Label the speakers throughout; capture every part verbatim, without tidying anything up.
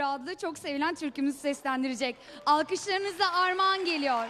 Speaker 1: adlı çok sevilen türkümüzü seslendirecek. Alkışlarınızla Armağan geliyor.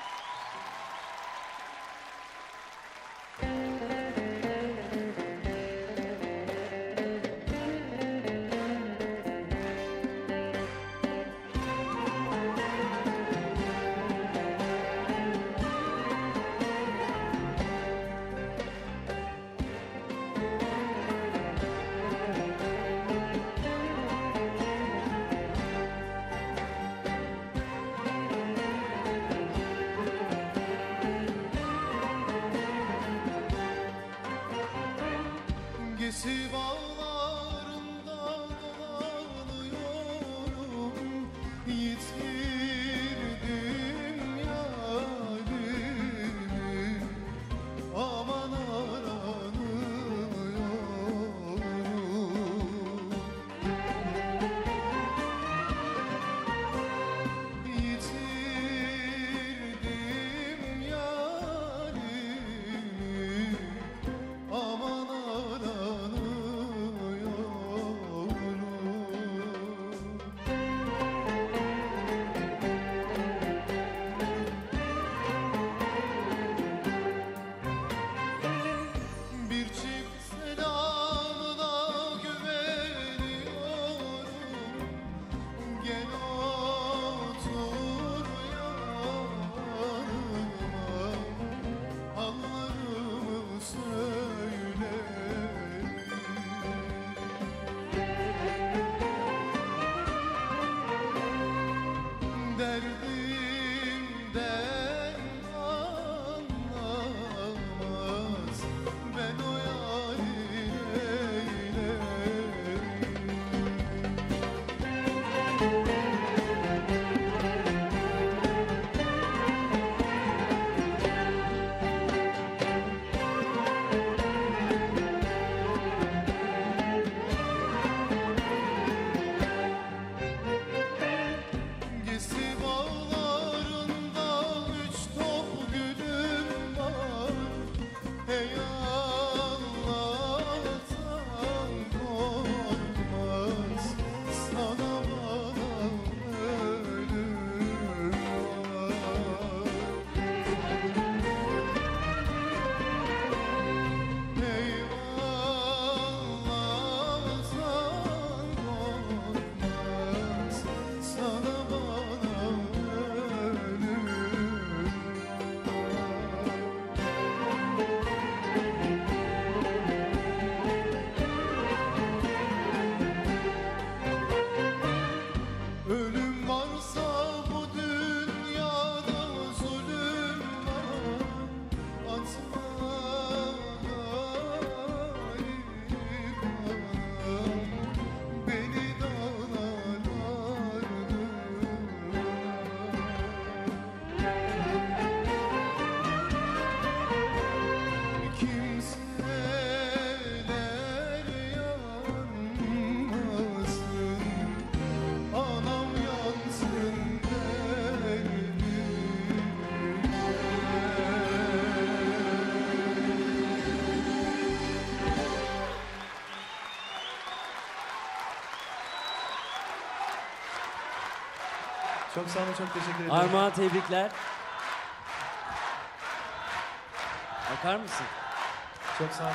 Speaker 2: Gesi bağlarında dolanıyorum, yitirdim yarimi, aman aranıyorum. Yitirdim yarimi, aman bir çift selamına güveniyorum. Gel otur yanıma, hallarımı söyle. Derdimden anlamaz, ben o yâri eylerim. Gesi bağlarında üç top gülüm var. Hey Allah'tan korkmaz, sana bana ölüm var. Hey Allah'tan korkmaz, sana bana ölüm var. Ölüm varsa bu dünyada zulüm var. Atma gariban, beni dağlar kimseler yanmasın, anam yansın
Speaker 3: Çok sağ olun, çok teşekkür ederim.
Speaker 4: Armağan, tebrikler. Bakar mısın?
Speaker 3: Çok sağ olun.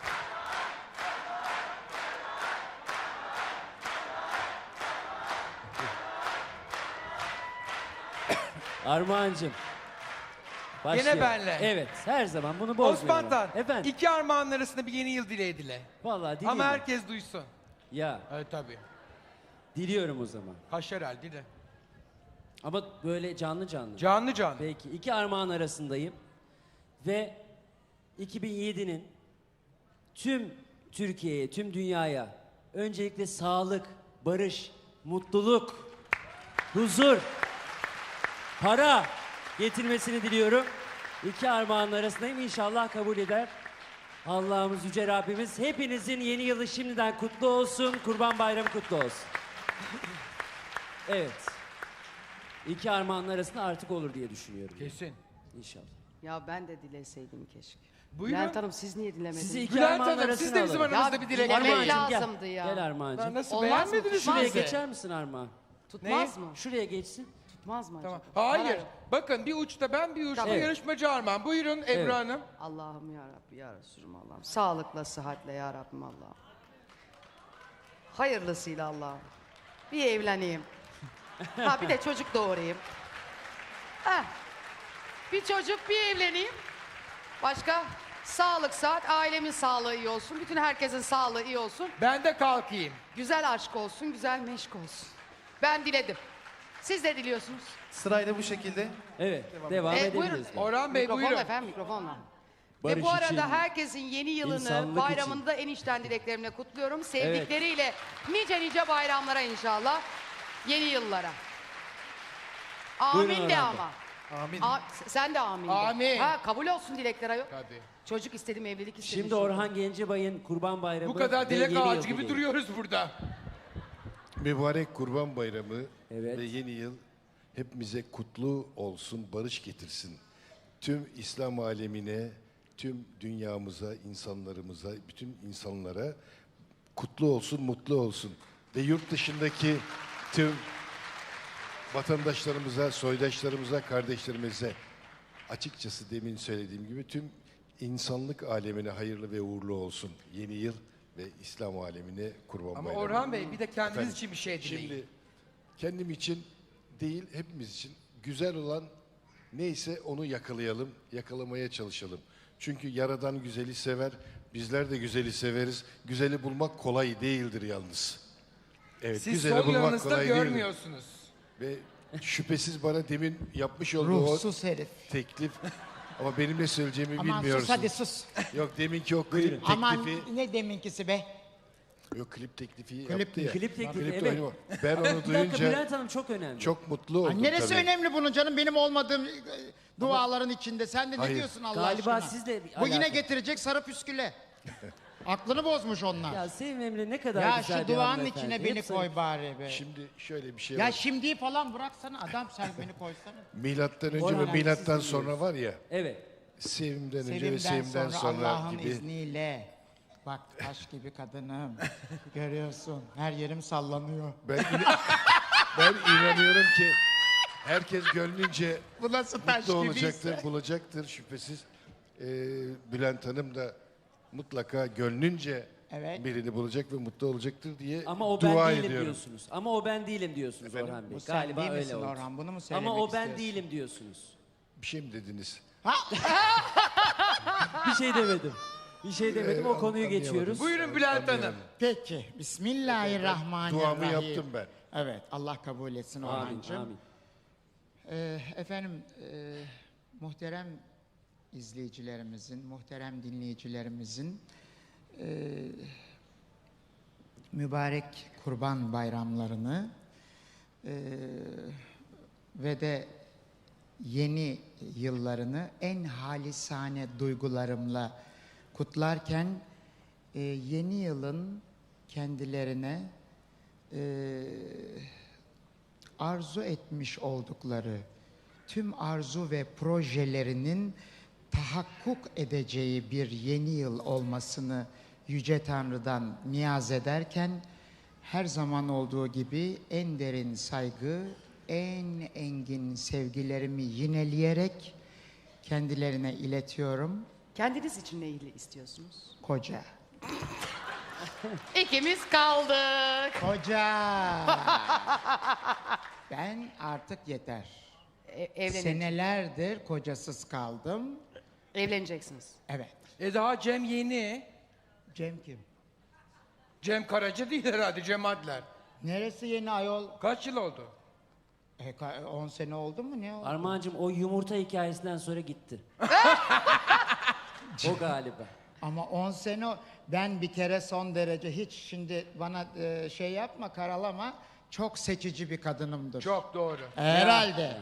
Speaker 4: Armağancığım. Başlıyor.
Speaker 5: Gene benle.
Speaker 4: Evet, her zaman bunu bozmuyorum.
Speaker 5: Osman Tan,
Speaker 4: Efendim?
Speaker 5: iki armağanın arasında bir yeni yıl dileği dile.
Speaker 4: Vallahi dileyim.
Speaker 5: Ama herkes duysun.
Speaker 4: Ya,
Speaker 5: Evet tabii.
Speaker 4: diliyorum o zaman.
Speaker 5: Haşeral dile.
Speaker 4: Ama böyle canlı canlı.
Speaker 5: Canlı canlı.
Speaker 4: Peki, iki armağan arasındayım. Ve iki bin yedi'nin tüm Türkiye'ye, tüm dünyaya öncelikle sağlık, barış, mutluluk, huzur, para getirmesini diliyorum. İki armağanın arasındayım. İnşallah kabul eder. Allah'ımız, Yüce Rabbimiz hepinizin yeni yılı şimdiden kutlu olsun. Kurban Bayramı kutlu olsun. Evet. İki armağanın arasında artık olur diye düşünüyorum.
Speaker 5: Kesin.
Speaker 4: İnşallah.
Speaker 6: Ya ben de dileseydim keşke.
Speaker 5: Bülent
Speaker 6: Bülent Hanım siz niye dilemediniz?
Speaker 4: Sizi iki
Speaker 5: Bülent
Speaker 4: armağan
Speaker 5: Hanım,
Speaker 4: arasına
Speaker 5: siz de bizim
Speaker 4: alalım.
Speaker 5: aranızda
Speaker 6: Ya
Speaker 5: bir dilek
Speaker 6: dilemek
Speaker 5: dileyin.
Speaker 4: Armağancığım, gel.
Speaker 6: lazımdı ya.
Speaker 4: Gel Armağancığım.
Speaker 5: Ben nasıl
Speaker 6: Olmaz mı?
Speaker 5: beğenmediniz
Speaker 4: Şuraya
Speaker 5: mi bizi?
Speaker 4: geçer misin Armağan?
Speaker 6: Tutmaz
Speaker 5: Neyi?
Speaker 6: mı?
Speaker 4: Şuraya geçsin.
Speaker 6: Tutmaz mı
Speaker 5: Tamam.
Speaker 6: acaba?
Speaker 5: Hayır. Bakın bir uçta ben bir uçta
Speaker 6: Tamam.
Speaker 5: yarışmacı Armağan. Buyurun Ebru
Speaker 4: Evet.
Speaker 5: Hanım.
Speaker 6: Allah'ım ya Rabbi ya Resulüm Allah'ım. Sağlıkla, sıhhatle ya Rabbim Allah'ım. Hayırlısıyla Allah'ım. Bir evleneyim. Ha bir de çocuk doğurayım. Ha. Bir çocuk, bir evleneyim. Başka? Sağlık, saat, ailemin sağlığı iyi olsun. Bütün herkesin sağlığı iyi olsun.
Speaker 5: Ben de kalkayım.
Speaker 6: Güzel aşk olsun, güzel meşk olsun. Ben diledim. Siz de diliyorsunuz.
Speaker 3: Sırayla bu şekilde.
Speaker 4: Evet, devam
Speaker 6: E,
Speaker 4: edebiliriz.
Speaker 6: buyurun.
Speaker 5: Orhan Bey
Speaker 6: Mikrofon
Speaker 5: buyurun.
Speaker 6: efendim, mikrofonla.
Speaker 4: Barış
Speaker 6: Ve bu arada
Speaker 4: için,
Speaker 6: herkesin yeni yılını,
Speaker 4: insanlık
Speaker 6: bayramını
Speaker 4: için.
Speaker 6: da en içten dileklerimle kutluyorum. Sevdikleriyle nice nice bayramlara inşallah. Yeni yıllara. Amin
Speaker 4: Buyurun
Speaker 6: de
Speaker 4: Orhan Bey.
Speaker 6: ama.
Speaker 3: Amin.
Speaker 6: A- sen de amin de.
Speaker 5: Amin.
Speaker 6: Ha, kabul olsun dilekler ayol.
Speaker 5: Tabii.
Speaker 6: Çocuk istedim, evlilik istedim.
Speaker 4: Şimdi Orhan Gencebay'ın Kurban Bayramı
Speaker 5: Bu kadar
Speaker 4: ve
Speaker 5: dilek
Speaker 4: yeni yıl
Speaker 5: ağacı gibi
Speaker 4: dileği.
Speaker 5: duruyoruz burada.
Speaker 2: Mübarek Kurban Bayramı
Speaker 4: Evet.
Speaker 2: ve yeni yıl hepimize kutlu olsun, barış getirsin. Tüm İslam alemine, tüm dünyamıza, insanlarımıza, bütün insanlara kutlu olsun, mutlu olsun. Ve yurt dışındaki tüm vatandaşlarımıza, soydaşlarımıza, kardeşlerimize açıkçası demin söylediğim gibi tüm insanlık alemine hayırlı ve uğurlu olsun. Yeni yıl ve İslam alemine Kurban
Speaker 5: Ama
Speaker 2: Bayramı.
Speaker 5: Orhan Bey bir de kendiniz
Speaker 2: Efendim,
Speaker 5: için bir şey dileyin.
Speaker 2: Şimdi kendim için değil, hepimiz için güzel olan neyse onu yakalayalım, yakalamaya çalışalım. Çünkü Yaradan güzeli sever, bizler de güzeli severiz. Güzeli bulmak kolay değildir yalnız. Evet,
Speaker 5: Siz
Speaker 2: güzeli
Speaker 5: sol
Speaker 2: bulmak
Speaker 5: yanınızda
Speaker 2: kolay değildir.
Speaker 5: görmüyorsunuz.
Speaker 2: Ve şüphesiz bana demin yapmış olduğu
Speaker 7: Ruhsuz herif.
Speaker 2: o teklif ama benim ne söyleyeceğimi
Speaker 7: Aman
Speaker 2: bilmiyorsun.
Speaker 7: sus hadi sus.
Speaker 2: Yok deminki o klip teklifi,
Speaker 7: Aman ne deminkisi be.
Speaker 2: yok klip teklifi
Speaker 7: Klip
Speaker 2: yaptı
Speaker 7: mi?
Speaker 2: ya.
Speaker 4: Klip teklifi,
Speaker 2: Klipte
Speaker 4: evet.
Speaker 2: oynamak. Ben onu
Speaker 4: Bir dakika
Speaker 2: duyunca
Speaker 4: Bülent Hanım çok önemli.
Speaker 2: çok mutlu oldum.
Speaker 7: Ay, neresi
Speaker 2: tabii.
Speaker 7: önemli bunun canım? Benim olmadığım e, duaların içinde. Sen de ne
Speaker 2: Hayır.
Speaker 7: diyorsun Allah
Speaker 4: Galiba
Speaker 7: aşkına?
Speaker 4: sizle bir
Speaker 7: Bu yine
Speaker 4: alakalı.
Speaker 7: getirecek sarı püsküle. Aklını bozmuş onlar.
Speaker 4: Ya
Speaker 7: Ya,
Speaker 4: Sevim Emre ne kadar güzel
Speaker 7: şu
Speaker 4: bir
Speaker 7: duanın
Speaker 4: hanımefendi.
Speaker 7: içine
Speaker 4: Hep
Speaker 7: beni
Speaker 4: sarı-
Speaker 7: koy bari be.
Speaker 2: Şimdi şöyle bir şey
Speaker 7: Ya
Speaker 2: var.
Speaker 7: şimdiyi falan bıraksana adam sen beni koysana.
Speaker 2: Milattan önce
Speaker 4: Orhan
Speaker 2: ve
Speaker 4: abi,
Speaker 2: milattan
Speaker 4: siz
Speaker 2: sonra var ya,
Speaker 4: Evet.
Speaker 2: sevimden önce ve
Speaker 7: Sevimden
Speaker 2: sevimden
Speaker 7: sonra,
Speaker 2: sonra,
Speaker 7: Allah'ın
Speaker 2: gibi.
Speaker 7: izniyle. Bak taş gibi kadınım. Görüyorsun her yerim sallanıyor.
Speaker 2: Ben, ina- ben inanıyorum ki herkes gönlünce
Speaker 7: Bu nasıl taş
Speaker 2: mutlu
Speaker 7: gibiyse.
Speaker 2: olacaktır, bulacaktır şüphesiz. Ee, Bülent Hanım da mutlaka gönlünce
Speaker 7: Evet.
Speaker 2: birini bulacak ve mutlu olacaktır diye
Speaker 4: Ama o ben
Speaker 2: dua
Speaker 4: değilim
Speaker 2: ediyorum.
Speaker 4: diyorsunuz. Ama o ben değilim diyorsunuz
Speaker 2: Efendim?
Speaker 4: Orhan Bey.
Speaker 7: Bu sen
Speaker 4: Galiba
Speaker 7: değil
Speaker 4: öyle
Speaker 7: misin
Speaker 4: oldu.
Speaker 7: Orhan? Bunu mu söylemek
Speaker 4: Ama o ben
Speaker 7: istiyorsun?
Speaker 4: değilim diyorsunuz.
Speaker 2: Bir şey mi dediniz?
Speaker 4: Bir şey demedim. Bir şey demedim. O konuyu
Speaker 2: anlayamadım.
Speaker 4: geçiyoruz.
Speaker 5: Buyurun Bülent Hanım.
Speaker 2: Anlayamadım.
Speaker 7: Peki. Bismillahirrahmanirrahim.
Speaker 2: Duamı yaptım ben.
Speaker 7: Evet. Allah kabul etsin
Speaker 4: Amin,
Speaker 7: Orhancığım.
Speaker 4: amin.
Speaker 7: Ee, efendim, e, muhterem izleyicilerimizin, muhterem dinleyicilerimizin e, mübarek kurban bayramlarını e, ve de yeni yıllarını en halisane duygularımla kutlarken e, yeni yılın kendilerine e, arzu etmiş oldukları tüm arzu ve projelerinin tahakkuk edeceği bir yeni yıl olmasını Yüce Tanrı'dan niyaz ederken her zaman olduğu gibi en derin saygı, en engin sevgilerimi yineleyerek kendilerine iletiyorum.
Speaker 6: Kendiniz için ne istiyorsunuz?
Speaker 7: Koca.
Speaker 6: İkimiz kaldık.
Speaker 7: Koca. Ben artık yeter.
Speaker 6: E, evlenecek-
Speaker 7: Senelerdir kocasız kaldım.
Speaker 6: Evleneceksiniz.
Speaker 7: Evet.
Speaker 5: E daha Cem yeni.
Speaker 7: Cem kim?
Speaker 5: Cem Karaca değil herhalde Cem Adler.
Speaker 7: Neresi yeni ayol?
Speaker 5: Kaç yıl oldu?
Speaker 7: E, ka- on sene oldu mu ne oldu?
Speaker 4: Armağan'cığım o yumurta hikayesinden sonra gitti. O galiba.
Speaker 7: Ama on sene o- ben bir kere son derece hiç şimdi bana e, şey yapma karalama çok seçici bir kadınımdır.
Speaker 5: Çok doğru.
Speaker 7: Herhalde.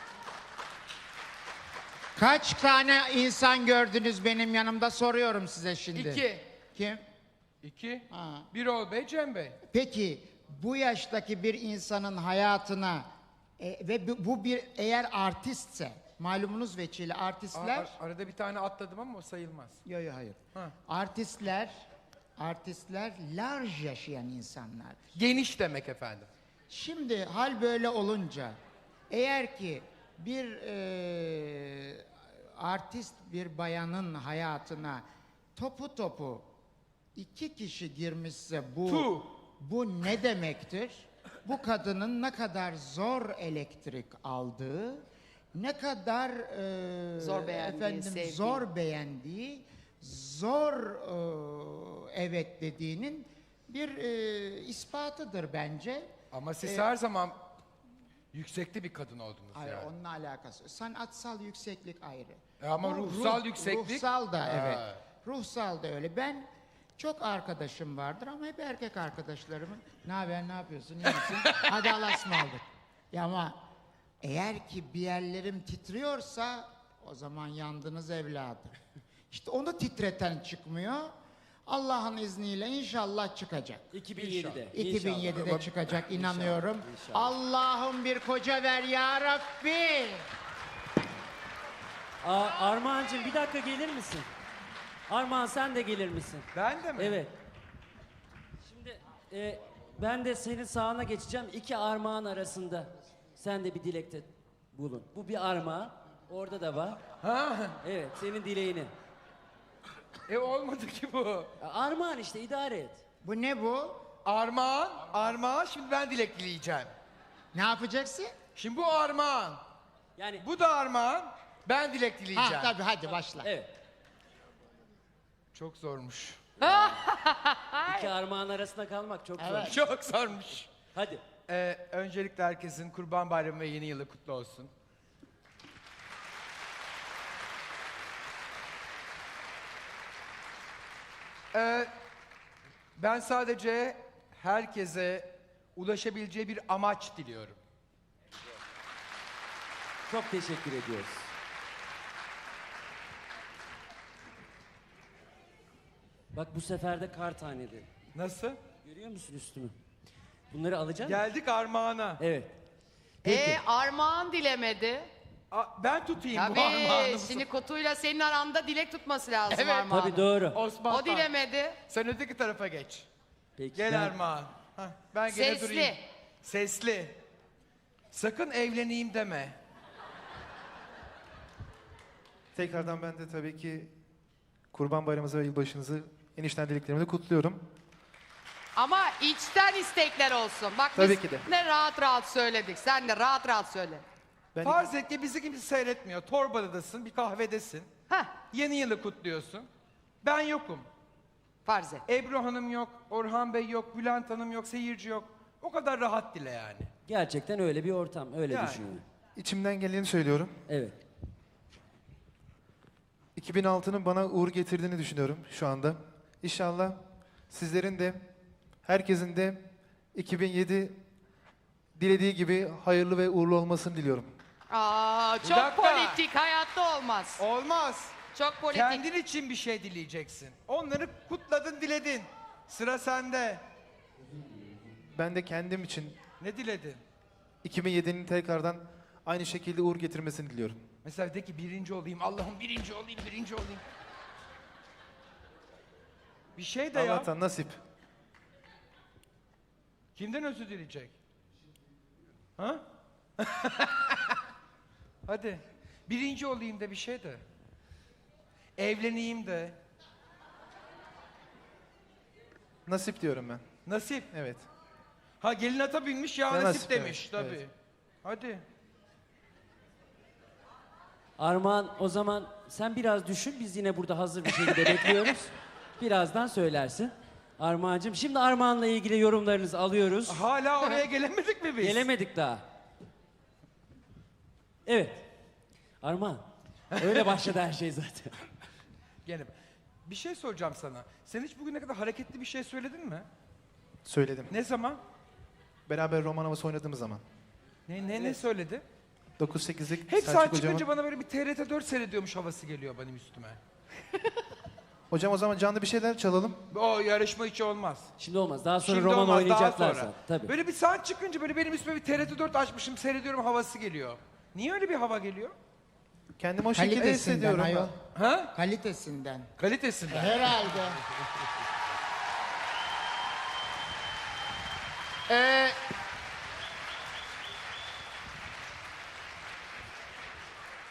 Speaker 7: Kaç tane insan gördünüz benim yanımda soruyorum size şimdi.
Speaker 5: İki.
Speaker 7: Kim?
Speaker 5: İki.
Speaker 7: Ha.
Speaker 5: Birol Bey, Cem Bey.
Speaker 7: Peki bu yaştaki bir insanın hayatına e, ve bu, bu bir eğer artistse malumunuz veçile
Speaker 5: Aa,
Speaker 7: artistler
Speaker 5: ar- arada bir tane atladım ama o sayılmaz.
Speaker 7: yok yok hayır.
Speaker 5: Ha.
Speaker 7: Artistler artistler large yaşayan insanlar.
Speaker 5: Geniş demek efendim.
Speaker 7: Şimdi hal böyle olunca eğer ki bir e, artist bir bayanın hayatına topu topu iki kişi girmişse bu
Speaker 5: Tu.
Speaker 7: bu ne demektir? Bu kadının ne kadar zor elektrik aldığı, ne kadar e,
Speaker 6: Zor beğendiği,
Speaker 7: efendim
Speaker 6: sevdiği.
Speaker 7: zor beğendiği, zor e, evet dediğinin bir e, ispatıdır bence.
Speaker 5: Ama siz
Speaker 7: Ee,
Speaker 5: her zaman yüksekte bir kadın oldunuz
Speaker 7: Hayır,
Speaker 5: yani.
Speaker 7: onunla alakası. Sanatsal yükseklik ayrı.
Speaker 5: E ama
Speaker 7: Bu
Speaker 5: ruhsal yükseklik-
Speaker 7: Ruhsal da
Speaker 5: Ha.
Speaker 7: evet. Ruhsal da öyle. Ben çok arkadaşım vardır ama hep erkek arkadaşlarımın ne haber, ne yapıyorsun, iyi misin? Hadi Allah'a ısmarladık. Ya ama eğer ki bir yerlerim titriyorsa o zaman yandınız evladım. İşte onu titreten çıkmıyor. Allah'ın izniyle inşallah çıkacak.
Speaker 4: iki bin yedide.
Speaker 7: iki bin yedide
Speaker 4: İnşallah.
Speaker 7: çıkacak inanıyorum.
Speaker 4: İnşallah.
Speaker 7: Allah'ım bir koca ver ya Rabbi.
Speaker 4: Aa, Armağan'cığım bir dakika gelir misin? Armağan sen de gelir misin?
Speaker 5: Ben de mi?
Speaker 4: Evet. Şimdi e, ben de senin sağına geçeceğim. İki armağan arasında sen de bir dilekte bulun. Bu bir armağan. Orada da var.
Speaker 5: Ha?
Speaker 4: Evet, senin dileğini.
Speaker 5: E olmadı ki bu.
Speaker 4: Armağan işte, idare et.
Speaker 7: Bu ne bu?
Speaker 5: Armağan, armağan. Şimdi ben dilek dileyeceğim.
Speaker 7: Ne yapacaksın?
Speaker 5: Şimdi bu armağan.
Speaker 4: Yani
Speaker 5: Bu da armağan. Ben dilek dileyeceğim.
Speaker 7: Ha tabii, hadi başla.
Speaker 4: evet.
Speaker 5: Çok zormuş.
Speaker 4: İki armağan arasında kalmak çok zor.
Speaker 7: Evet.
Speaker 5: Çok zormuş.
Speaker 4: Hadi.
Speaker 5: Ee, öncelikle herkesin Kurban Bayramı ve Yeni Yılı kutlu olsun. Ee, ben sadece herkese ulaşabileceği bir amaç diliyorum.
Speaker 4: Çok teşekkür ediyoruz. Bak bu sefer de kar taneleri.
Speaker 5: Nasıl?
Speaker 4: Görüyor musun üstümü? Bunları alacağım.
Speaker 5: Geldik armağana.
Speaker 4: Evet.
Speaker 6: E armağan dilemedi.
Speaker 5: A- ben tutayım bu
Speaker 6: Tabii
Speaker 5: armağanı.
Speaker 6: şimdi kutuyla senin aranda dilek tutması lazım
Speaker 5: Evet.
Speaker 6: armağanın.
Speaker 4: Tabii doğru.
Speaker 5: Osman
Speaker 6: O
Speaker 5: Tan.
Speaker 6: dilemedi.
Speaker 5: Sen öteki tarafa geç.
Speaker 4: Peki.
Speaker 5: Gel
Speaker 4: ben-
Speaker 5: Armağan. Hah, ben gene
Speaker 6: Sesli.
Speaker 5: durayım. Sesli. Sakın evleneyim deme.
Speaker 3: Tekrardan ben de tabii ki Kurban Bayramınızı ve yılbaşınızı enişten dileklerimi de kutluyorum.
Speaker 6: Ama içten istekler olsun. Bak
Speaker 3: Tabii
Speaker 6: biz
Speaker 3: ki de.
Speaker 6: ne rahat rahat söyledik. Sen de rahat rahat söyle.
Speaker 3: Ben
Speaker 5: Farz et ki bizi kimse seyretmiyor. Torbadadasın, bir kahvedesin.
Speaker 6: Heh,
Speaker 5: Yeni yılı kutluyorsun. Ben yokum.
Speaker 6: farz et.
Speaker 5: Ebru Hanım yok, Orhan Bey yok, Bülent Hanım yok, seyirci yok. O kadar rahat dile yani.
Speaker 4: Gerçekten öyle bir ortam. Öyle
Speaker 5: Yani.
Speaker 4: düşünüyorum.
Speaker 3: içimden geleni söylüyorum.
Speaker 4: Evet.
Speaker 3: iki bin altının bana uğur getirdiğini düşünüyorum şu anda. İnşallah sizlerin de, herkesin de iki bin yedi dilediği gibi hayırlı ve uğurlu olmasını diliyorum.
Speaker 6: Aa,
Speaker 5: Bir
Speaker 6: çok
Speaker 5: dakika.
Speaker 6: politik, hayatta olmaz.
Speaker 5: Olmaz.
Speaker 6: Çok politik.
Speaker 5: Kendin için bir şey dileyeceksin. Onları kutladın, diledin. Sıra sende.
Speaker 3: Ben de kendim için
Speaker 5: Ne diledin?
Speaker 3: iki bin yedinin tekrardan aynı şekilde uğur getirmesini diliyorum.
Speaker 5: Mesela de ki birinci olayım, Allah'ım birinci olayım, birinci olayım. Bir şey de ya.
Speaker 3: Allah'tan nasip.
Speaker 5: Kimden özür dileyecek? Ha? Hadi. Birinci olayım da bir şey de. Evleneyim de.
Speaker 3: Nasip diyorum ben.
Speaker 5: Nasip.
Speaker 3: Evet.
Speaker 5: Ha gelin ata binmiş ya
Speaker 3: Ya
Speaker 5: nasip,
Speaker 3: nasip,
Speaker 5: demiş
Speaker 3: evet,
Speaker 5: tabii.
Speaker 3: evet.
Speaker 5: Hadi.
Speaker 4: Armağan, o zaman sen biraz düşün. Biz yine burada hazır bir şekilde bekliyoruz. Birazdan söylersin. Armağan'cığım. Şimdi Armağan'la ilgili yorumlarınızı alıyoruz.
Speaker 5: Hala oraya gelemedik mi biz?
Speaker 4: Gelemedik daha. Evet. Armağan. Öyle başladı her şey zaten.
Speaker 5: Gene. Bir şey soracağım sana. Sen hiç bugüne kadar hareketli bir şey söyledin mi?
Speaker 3: Söyledim.
Speaker 5: Ne zaman?
Speaker 3: Beraber roman havası oynadığımız zaman.
Speaker 5: Ne ne ne söyledi?
Speaker 3: dokuz sekizlik
Speaker 5: Hep sen
Speaker 3: Selçuk
Speaker 5: çıkınca
Speaker 3: hocamın...
Speaker 5: bana böyle bir T R T dört seyrediyormuş havası geliyor benim üstüme.
Speaker 3: Hocam o zaman canlı bir şeyler çalalım.
Speaker 5: O yarışma hiç olmaz.
Speaker 4: Şimdi olmaz. Daha sonra
Speaker 5: Şimdi
Speaker 4: roman
Speaker 5: olmaz, daha
Speaker 4: oynayacaklar
Speaker 5: sonra.
Speaker 4: zaten. Tabii.
Speaker 5: Böyle bir saat çıkınca böyle benim üstüme bir T R T dört açmışım seyrediyorum havası geliyor. Niye öyle bir hava geliyor?
Speaker 3: Kendimi o şekilde
Speaker 7: Kalitesinden
Speaker 3: hissediyorum.
Speaker 7: ayol.
Speaker 3: ben.
Speaker 5: Ha?
Speaker 7: Kalitesinden.
Speaker 5: Kalitesinden.
Speaker 7: Herhalde.
Speaker 5: Ee,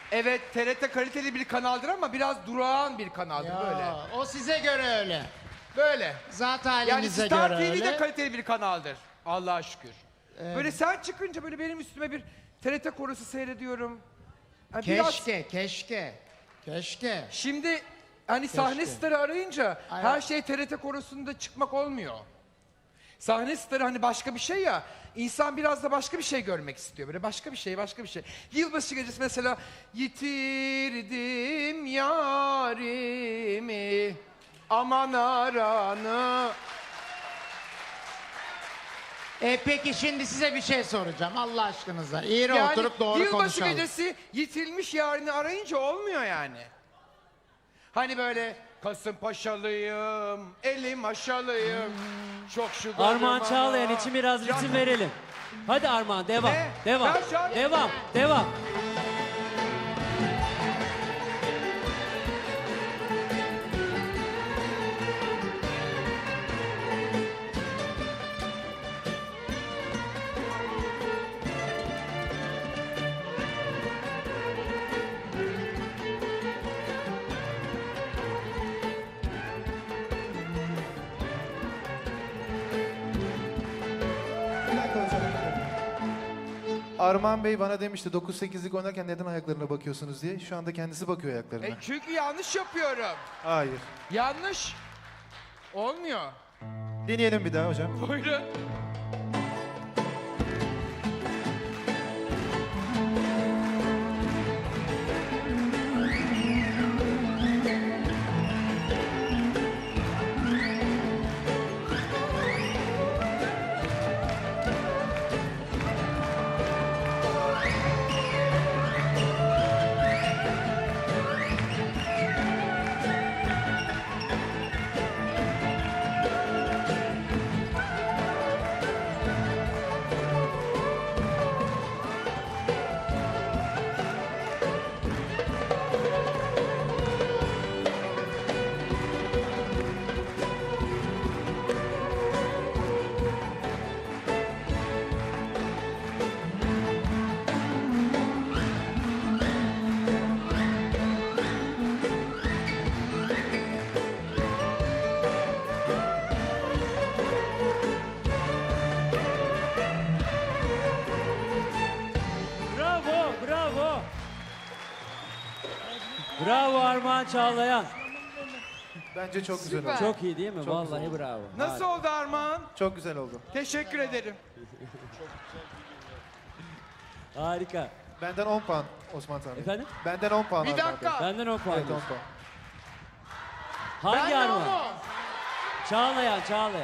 Speaker 5: Evet, T R T kaliteli bir kanaldır ama biraz durağan bir kanaldır
Speaker 7: Ya,
Speaker 5: böyle.
Speaker 7: o size göre öyle.
Speaker 5: Böyle.
Speaker 7: Zat
Speaker 5: Yani
Speaker 7: halinize
Speaker 5: Star
Speaker 7: göre
Speaker 5: T V de
Speaker 7: öyle.
Speaker 5: kaliteli bir kanaldır. Allah'a şükür. Böyle sen çıkınca böyle benim üstüme bir T R T korosu seyrediyorum. Yani biraz-
Speaker 7: Keşke, keşke. Keşke.
Speaker 5: Şimdi hani sahne starı arayınca
Speaker 7: Ay-
Speaker 5: her şey T R T korosunda çıkmak olmuyor. Sahne starı hani başka bir şey ya. İnsan biraz da başka bir şey görmek istiyor. Böyle başka bir şey, başka bir şey. Yılbaşı gecesi mesela yitirdim yarimi aman aranı.
Speaker 7: E peki şimdi size bir şey soracağım Allah aşkınıza. İyi
Speaker 5: Yani
Speaker 7: oturup doğru
Speaker 5: yılbaşı
Speaker 7: konuşalım.
Speaker 5: gecesi yitilmiş yarını arayınca olmuyor yani. Hani böyle Kasımpaşalıyım, elim aşalıyım. Çok şu
Speaker 4: Armağan
Speaker 5: golüm
Speaker 4: Çağlayan
Speaker 5: ama.
Speaker 4: için biraz
Speaker 5: Ya-
Speaker 4: ritim verelim. Hadi Armağan devam.
Speaker 5: Ne?
Speaker 4: Devam.
Speaker 5: Ben şu an-
Speaker 4: Devam. Devam.
Speaker 3: Bir dakika hocam. Armağan Bey bana demişti dokuz sekizlik oynarken neden ayaklarına bakıyorsunuz diye. Şu anda kendisi bakıyor ayaklarına.
Speaker 5: E çünkü yanlış yapıyorum.
Speaker 3: Hayır.
Speaker 5: Yanlış. Olmuyor.
Speaker 3: Deneyelim bir daha hocam.
Speaker 5: Buyurun.
Speaker 4: Bravo. Bravo. Bravo Armağan Çağlayan.
Speaker 3: Bence çok güzel
Speaker 5: Süper.
Speaker 3: oldu.
Speaker 4: Çok iyi değil mi?
Speaker 3: Çok
Speaker 4: Vallahi
Speaker 3: güzel.
Speaker 4: bravo.
Speaker 5: Nasıl oldu Armağan?
Speaker 3: Çok güzel oldu.
Speaker 5: Teşekkür ederim.
Speaker 4: Harika.
Speaker 3: Benden on puan Osman Tanrı.
Speaker 4: Efendim?
Speaker 3: Benden on puan
Speaker 5: Bir
Speaker 3: Armağan Bey.
Speaker 5: dakika.
Speaker 4: Benden on puan.
Speaker 3: Evet on
Speaker 4: diyorsun.
Speaker 3: puan.
Speaker 4: Hangi
Speaker 5: Ben de
Speaker 4: Armağan?
Speaker 5: onu.
Speaker 4: Çağlayan, Çağlayan.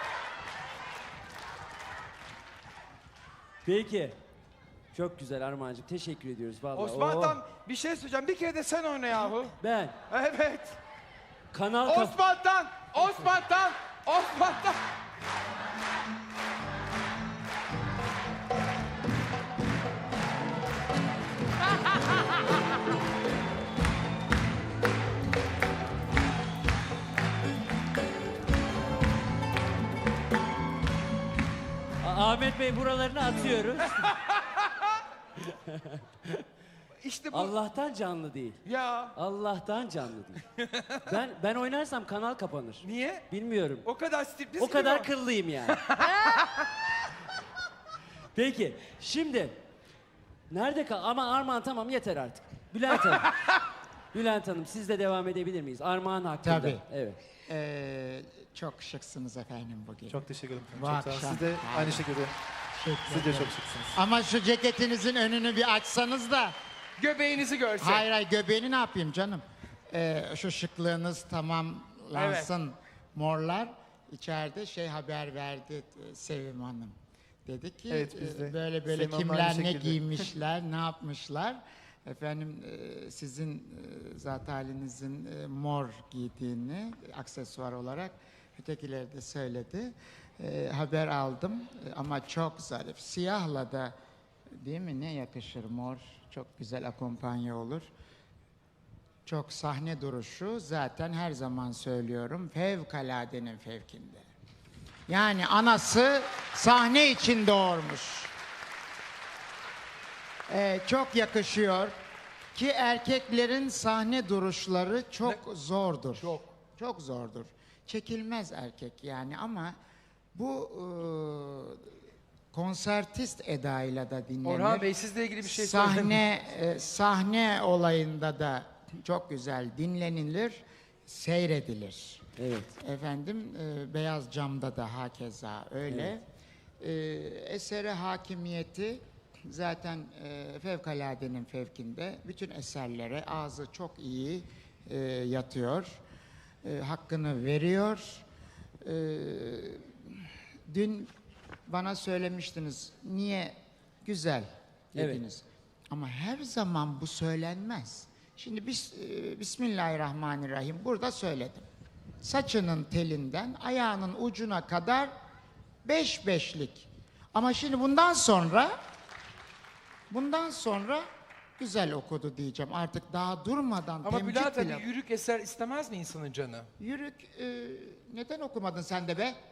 Speaker 4: Peki. Çok güzel Armağancığım. Teşekkür ediyoruz vallahi.
Speaker 5: Osman
Speaker 4: Oo.
Speaker 5: Tan bir şey söyleyeceğim. Bir kere de sen oyna yahu.
Speaker 4: Ben
Speaker 5: Evet.
Speaker 4: kanal kap-
Speaker 5: Osman Tan, Osman Tan, Osman Tan.
Speaker 4: A- Ahmet Bey buralarını atıyoruz.
Speaker 5: İşte bu.
Speaker 4: Allah'tan canlı değil.
Speaker 5: Ya
Speaker 4: Allah'tan canlı değil. Ben ben oynarsam kanal kapanır.
Speaker 5: niye?
Speaker 4: Bilmiyorum.
Speaker 5: O kadar sürpriz
Speaker 4: O
Speaker 5: gibi
Speaker 4: kadar
Speaker 5: o.
Speaker 4: kıllıyım yani. Peki şimdi nerede kal? Ama Armağan tamam yeter artık. Bülent Hanım. Bülent Hanım siz de devam edebilir miyiz? Armağan hakkında.
Speaker 7: Tabii.
Speaker 4: Evet.
Speaker 7: Ee, çok şıksınız efendim bugün.
Speaker 3: Çok teşekkür ederim.
Speaker 7: Bu
Speaker 3: Çok sağ olun.
Speaker 7: akşam.
Speaker 3: Siz de aynı şekilde.
Speaker 7: Teşekkür
Speaker 3: Siz de
Speaker 7: ederim.
Speaker 3: çok şıksınız.
Speaker 7: Ama şu ceketinizin önünü bir açsanız da.
Speaker 5: Göbeğinizi görsek.
Speaker 7: Hayır hayır göbeğini ne yapayım canım? Ee, şu şıklığınız tamamlansın morlar. İçeride şey haber verdi e, Sevim Hanım. Dedi ki
Speaker 3: Evet, biz de
Speaker 7: e, böyle böyle
Speaker 3: Sevim Hanım'la
Speaker 7: kimler
Speaker 3: aynı
Speaker 7: ne
Speaker 3: şekilde.
Speaker 7: giymişler, ne yapmışlar. Efendim e, sizin e, zat halinizin e, mor giydiğini aksesuar olarak ötekileri de söyledi. E, haber aldım E, ama çok zarif. Siyahla da değil mi ne yakışır mor. Çok güzel akompanye olur. Çok sahne duruşu zaten her zaman söylüyorum fevkaladenin fevkinde. Yani anası sahne için doğurmuş. Ee, çok yakışıyor. Ki erkeklerin sahne duruşları çok zordur.
Speaker 5: Çok.
Speaker 7: Çok zordur. Çekilmez erkek yani ama bu e, konsertist edayla da dinlenir.
Speaker 5: Orhan Bey sizle ilgili bir şey söyleyin.
Speaker 7: Sahne e, sahne olayında da çok güzel dinlenilir, seyredilir.
Speaker 4: Evet.
Speaker 7: Efendim e, beyaz camda da hakeza öyle. E, esere hakimiyeti zaten e, fevkaladenin fevkinde. Bütün eserlere ağzı çok iyi e, yatıyor. E, hakkını veriyor. E, dün bana söylemiştiniz niye güzel
Speaker 4: Evet.
Speaker 7: dediniz. Ama her zaman bu söylenmez. Şimdi biz e, Bismillahirrahmanirrahim burada söyledim. Saçının telinden ayağının ucuna kadar beş beşlik. Ama şimdi bundan sonra bundan sonra güzel okudu diyeceğim. Artık daha durmadan
Speaker 5: Ama
Speaker 7: temcit
Speaker 5: Bülent
Speaker 7: bile.
Speaker 5: abi yürük eser istemez mi insanın canı?
Speaker 7: Yürük e, neden okumadın sen de be?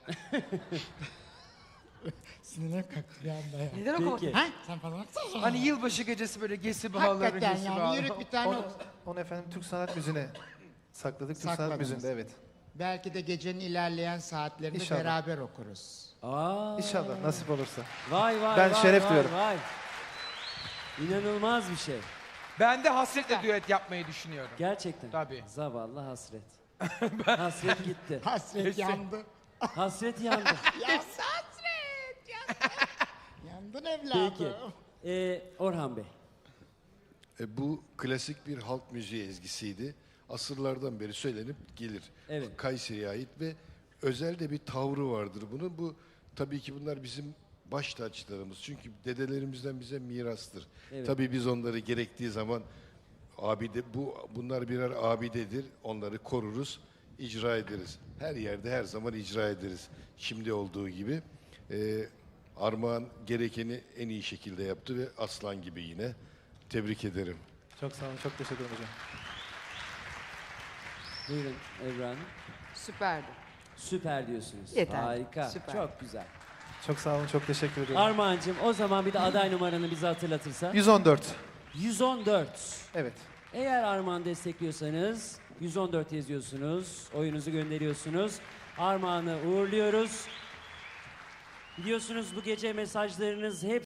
Speaker 7: Sinirlerim kalktı bir anda ya.
Speaker 6: Neden okumadın?
Speaker 4: Peki.
Speaker 7: Ha? Sen falan.
Speaker 5: Hani yılbaşı gecesi böyle gesi bağları,
Speaker 7: Hakikaten
Speaker 5: gesi
Speaker 7: yani
Speaker 5: bağları.
Speaker 7: yürük bir tane
Speaker 3: Onu,
Speaker 7: oku.
Speaker 3: onu efendim Türk sanat müziğine sakladık. Türk sanat
Speaker 7: Sakladınız.
Speaker 3: müziğinde evet.
Speaker 7: Belki de gecenin ilerleyen saatlerinde
Speaker 3: İnşallah.
Speaker 7: beraber okuruz.
Speaker 4: Aa,
Speaker 3: İnşallah nasip olursa.
Speaker 4: Vay vay
Speaker 3: Ben
Speaker 4: vay,
Speaker 3: şeref
Speaker 4: vay,
Speaker 3: duyuyorum.
Speaker 4: Vay. İnanılmaz bir şey.
Speaker 5: Ben de hasretle düet yapmayı düşünüyorum.
Speaker 4: Gerçekten.
Speaker 5: Tabii.
Speaker 4: Zavallı hasret. Hasret gitti.
Speaker 7: Hasret yandı.
Speaker 4: Hasret yandı.
Speaker 7: Ya hasret yandı. Yandın evladım.
Speaker 4: Peki. Ee, Orhan Bey.
Speaker 2: E, bu klasik bir halk müziği ezgisiydi. Asırlardan beri söylenip gelir.
Speaker 4: Evet.
Speaker 2: Kayseri'ye ait ve özel de bir tavrı vardır bunun. Bu tabii ki bunlar bizim baş taclarımız. Çünkü dedelerimizden bize mirastır.
Speaker 4: Evet.
Speaker 2: Tabii biz onları gerektiği zaman abide bu bunlar birer abidedir. Onları koruruz, icra ederiz. Her yerde her zaman icra ederiz. Şimdi olduğu gibi. E, Armağan gerekeni en iyi şekilde yaptı ve aslan gibi yine. Tebrik ederim.
Speaker 3: Çok sağ olun. Çok teşekkür ederim hocam.
Speaker 4: Buyurun Ebru Hanım.
Speaker 6: Süperdi.
Speaker 4: Süper diyorsunuz.
Speaker 6: Yeter.
Speaker 4: Harika.
Speaker 6: Süper.
Speaker 4: Çok güzel.
Speaker 3: Çok sağ olun. Çok teşekkür ediyorum.
Speaker 4: Armağan'cığım o zaman bir de aday numaranı bize hatırlatırsa.
Speaker 3: yüz on dört.
Speaker 4: yüz on dört.
Speaker 3: Evet.
Speaker 4: Eğer Armağan destekliyorsanız yüz on dört yazıyorsunuz. Oyunuzu gönderiyorsunuz. Armağan'ı uğurluyoruz. Biliyorsunuz bu gece mesajlarınız hep